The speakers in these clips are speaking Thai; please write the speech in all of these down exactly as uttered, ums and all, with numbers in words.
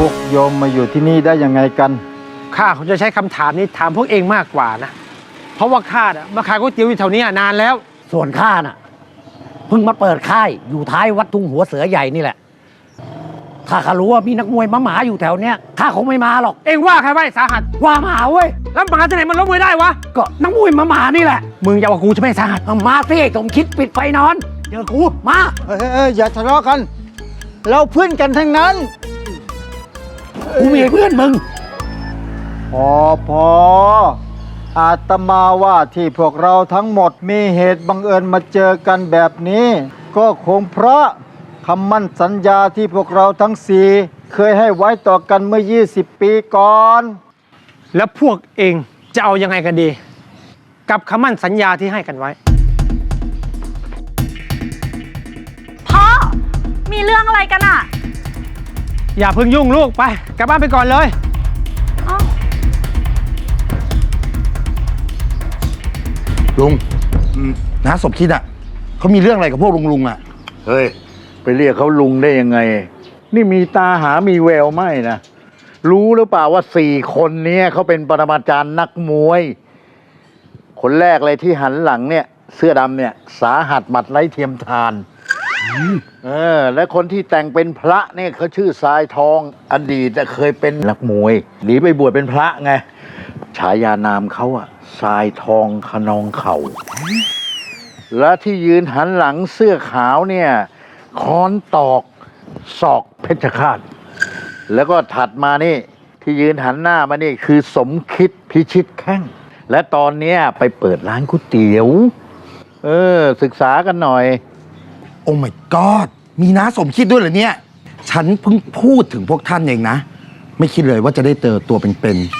วกโยมมาอยู่ที่นี่ได้ยังไงกันข้าคงจะใช้คำถามนี้ถามพวกเองมากกว่านะเพราะว่าข้าน่ะมาขายก๋วยเตี๋ยวอยู่แถวนี้นานแล้วส่วนข้าน่ะเพิ่งมาเปิดค่ายอยู่ท้ายวัดทุ่งหัวเสือใหญ่นี่แหละถ้าข้ารู้ว่ามีนักมวยมาหมาอยู่แถวเนี้ยข้าคงไม่มาหรอกเองว่าใครว่าสาหัสว่าหมาเว้ยแล้วหมาที่ไหนมันล้มมวยได้วะก็นักมวยมาหมานี่แหละมึงอย่าว่ากูจะไม่สาหัสมาสิสมคิดปิดไฟนอนเจอกูมาเอ้ยอย่าทะเลาะกันเราเพื่อนกันทั้งนั้นกูมีเพื่อนมึงพอพออาตมาว่าที่พวกเราทั้งหมดมีเหตุบังเอิญมาเจอกันแบบนี้ก็คงเพราะคำมั่นสัญญาที่พวกเราทั้งสี่เคยให้ไว้ต่อกันเมื่อยี่สิบปีก่อนแล้วพวกเองจะเอายังไงกันดีกับคำมั่นสัญญาที่ให้กันไว้พ่อมีเรื่องอะไรกันอะอย่าเพิ่งยุ่งลูกไปกลับบ้านไปก่อนเลยลุงน้าสมคิดอ่ะเขามีเรื่องอะไรกับพวกลุงลุงอ่ะเฮ้ยไปเรียกเขาลุงได้ยังไงนี่มีตาหามีแววไหมนะรู้หรือเปล่าว่าสี่คนนี้เขาเป็นปรมาจารย์นักมวยคนแรกเลยที่หันหลังเนี่ยเสื้อดำเนี่ยสาหัสหมัดไร้เทียมทานเออและคนที่แต่งเป็นพระเนี่ยเขาชื่อทรายทองอดีตเคยเป็นนักมวยหนีไปบวชเป็นพระไงฉายานามเขาอะทรายทองขนองเข่าและที่ยืนหันหลังเสื้อขาวเนี่ยค้อนตอกศอกเพชรฆาตแล้วก็ถัดมานี่ที่ยืนหันหน้ามานี่คือสมคิดพิชิตแข้งและตอนเนี้ยไปเปิดร้านก๋วยเตี๋ยวเออศึกษากันหน่อยโอ้ my god มีน้าสมคิดด้วยเหรอเนี่ยฉันเพิ่งพูดถึงพวกท่านเองนะไม่คิดเลยว่าจะได้เจอตัวเป็นๆ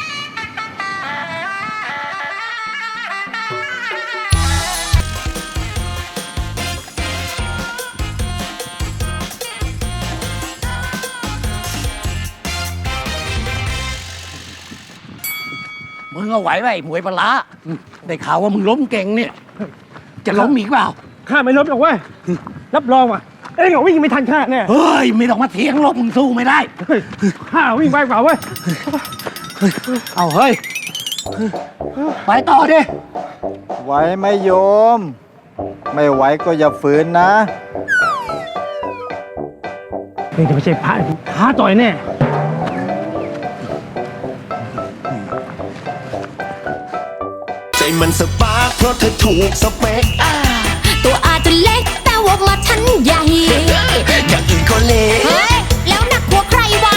มึงเอาไหวไหมหมวยปลาได้ข่าวว่ามึงล้มเก่งเนี่ยจะล้มอีกเปล่าข้าไม่ล้มหรอกเว้ยรับรองว่ะเอ้ยวิ่งไม่ทันข้าแน่เฮ้ยไม่ต้องมาเถียงหรอกมึงสู้ไม่ได้ข้าวิ่งไปเปล่าเว้ยเอาเฮ้ยไปต่อดิไหวไหมโยมไม่ไหวก็อย่าฝืนนะนี่จะไม่ใช่พระท้าต่อยแน่ใจมันสปาร์คเพราะเธอถูกสเปคตัวอาจจะเล็กแต่วงละฉันใหญ่อย่างอื่นก็เล็กเฮ้ยแล้วหนักกว่าใครวะ